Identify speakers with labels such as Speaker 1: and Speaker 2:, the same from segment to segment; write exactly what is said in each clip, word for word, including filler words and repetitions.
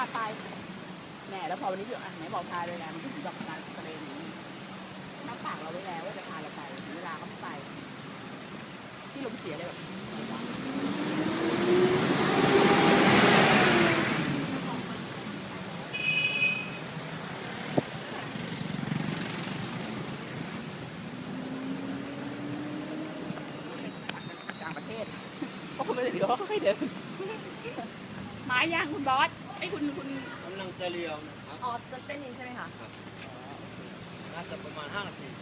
Speaker 1: าไปแหมแล้วพอวันนี้พี่อ่ะไหนบอกพาเลยนะมันก็ถึงแบบการทะเลนี้น้ำปากเราไว้แล้วว่าจะพาเราไปเวลาเขาไม่ไปที่ลมเสียเลยแบบต่างประเทศก็คงไม่ได้เดี๋ยวเขาค่อยๆเดินไม้ย่างคุณบอสไอ้คุณคุณ
Speaker 2: กำลังจะเลี้ยวนะครับ
Speaker 3: อ๋อจะเส้นนี้ใช่ไหมคะ
Speaker 2: น่าจะประมาณห้านาที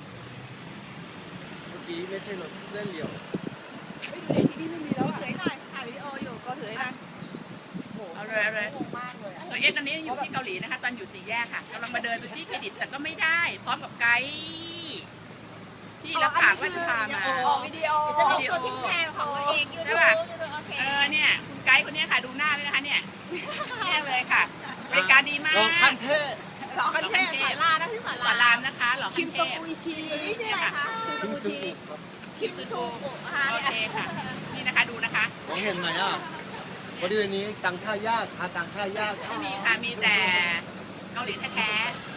Speaker 2: เมื่อกี้ไม่ใช่รถเส้นเลี้ยว
Speaker 1: เฮ้ยที่นี่ไม่มีแล้ว
Speaker 3: ก็
Speaker 1: อ่ะ
Speaker 3: ถือให้หน่อยถ่ายวิดีโออยู่ก็ถือให้หน่อย
Speaker 1: เอาเลยเอาเลย
Speaker 3: งงมากเลยอะ
Speaker 1: ตัวเอสตอนนี้อยู่ที่เกาหลีนะคะตอนอยู่สี่แยกค่ะกำลังมาเดินไปที่เครดิตแต่ก็ไม่ได้ พร้อมกับไกด์ที่รับปากว่าจะพามา
Speaker 3: ออกวิดีโอจะลงตัวชิ้นแทนของตัวเองยูทูบยูทูบโอเค
Speaker 1: เออเนี่ยคุณไกด์คนนี้ค่ะดูหน้าเลยนะคะเนี่ยแย่เลยค่ะบริการดีมาก
Speaker 2: ลองขั้นเทพ
Speaker 3: หลอกกันเทศสารานะที่สา
Speaker 1: สอน
Speaker 3: รา
Speaker 1: รามนะคะหล่อ
Speaker 3: คิ
Speaker 1: ขั้
Speaker 3: ม
Speaker 1: น
Speaker 3: ซ
Speaker 1: เทพ
Speaker 3: กุอิชินี่ชื่ออะไรคะคิมซ
Speaker 2: คิม
Speaker 3: กุ
Speaker 2: ซุ
Speaker 3: อิชิ
Speaker 2: กุครับ
Speaker 3: คิมซูกุนะคะ
Speaker 1: โอ
Speaker 3: เนี่ย
Speaker 1: เคค่ะนี่นะคะดูนะคะ
Speaker 2: มองเห็นไหมอ่ะบริเวณนี้ต่างชาติยากหาต่างชาติยาก
Speaker 1: ไม่มีค่ะมีแต่เกาหลีแท้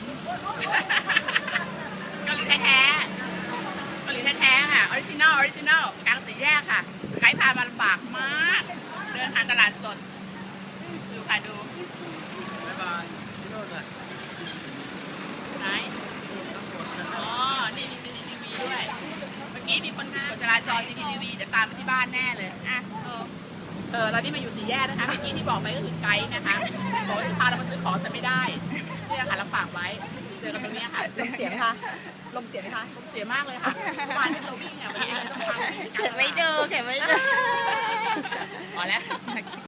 Speaker 1: ๆเกาหลีแท้ๆเกาหลีแท้ๆค่ะออริจินอลออริจินอลกลางสี่แยกค่ะไกด์พามาลำบากมากเดินทางตลาดสดดูค่ะดู
Speaker 2: บ๊ายบายที่โน่นน่ะ
Speaker 1: ไหนอ๋อ นี่มี ซี ซี ที วี ด้วย เมื่อกี้มีคนกดจราจร ซี ซี ที วี จะตามมาที่บ้านแน่เลย อ่ะ เออ เออ ตอนนี้มาอยู่สี่แยกนะคะ เมื่อกี้ที่บอกไปก็คือไกด์นะคะ บอกว่าจะพาเรามาซื้อของแต่ไม่ได้เนี่ยค่ะรับปากไว้ เจอกันตรงนี้ค่ะ
Speaker 3: ลมเสียไหมคะลมเสียไหมคะ
Speaker 1: เสียมากเลยค่ะเมื่อวานที่เราวิ่งอ่ะวันนี้เลยต้องทำ
Speaker 3: เก็บไว้ดูเก็บไว้ดู
Speaker 1: พอแล้ว